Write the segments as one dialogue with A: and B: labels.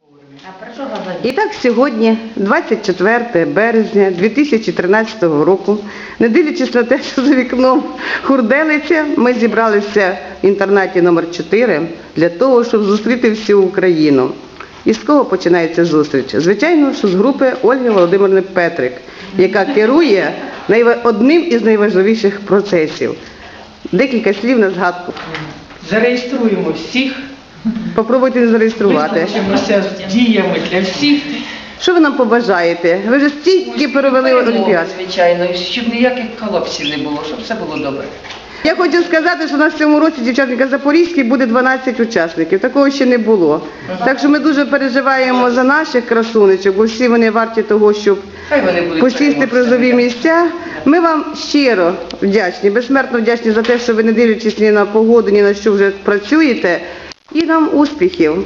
A: І так сьогодні, 24 березня 2013 року, не дивлячись на те, що за вікном хурделиця, ми зібралися в інтернаті номер 4 для того, щоб зустріти всю Україну. І з кого починається зустріч? Звичайно, що з групи Ольги Володимирівни Петрик, яка керує одним із найважливіших процесів. Декілька слів на згадку.
B: Зареєструємо всіх.
A: Попробуйте зареєструвати.
B: Визначимося з діями для всіх.
A: Що ви нам побажаєте? Ви вже стільки перевели Олімпіад.
B: Звичайно, щоб ніяких колапсів не було, щоб все було добре.
A: Я хочу сказати, що у нас в цьому році дівчатника Запорізький буде 12 учасників. Такого ще не було. Так що ми дуже переживаємо за наших красунечок, бо всі вони варті того, щоб посісти призові місця. Ми вам щиро вдячні, безсмертно вдячні за те, що ви, не дивлячись ні на погоду, ні на що, вже працюєте. І нам успіхів.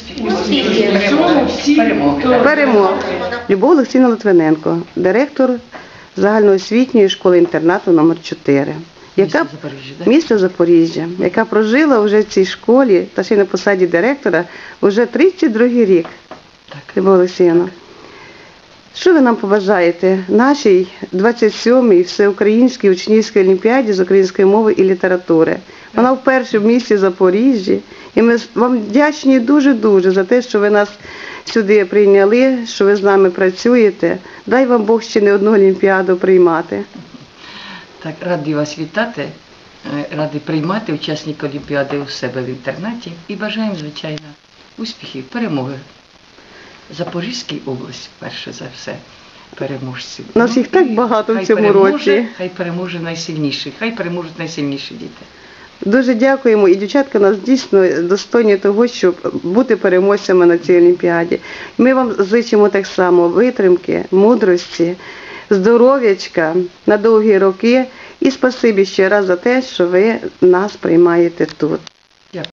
A: Перемог. Любов Олексійовна Литвиненко, директор загальноосвітньої школи-інтернату номер 4. Місто Запоріжжя, яка прожила вже в цій школі, та ще й на посаді директора, вже 32-й рік. Любов Олексійовна, що ви нам побажаєте нашій 27-й всеукраїнській учнівській олімпіаді з української мови і літератури? Вона вперше в місті Запоріжжі, і ми вам вдячні дуже-дуже за те, що ви нас сюди прийняли, що ви з нами працюєте. Дай вам Бог ще не одну олімпіаду приймати.
C: Так, раді вас вітати, раді приймати учасників Олімпіади у себе в інтернаті і бажаємо, звичайно, успіхів, перемоги. Запорізькій області, перше за все, переможців.
A: У нас їх так багато в цьому році.
C: Хай переможе найсильніший, хай переможуть найсильніші діти.
A: Дуже дякуємо, і дівчатка нас дійсно достойні того, щоб бути переможцями на цій олімпіаді. Ми вам зичимо так само витримки, мудрості, здоров'ячка на довгі роки і спасибі ще раз за те, що ви нас приймаєте тут.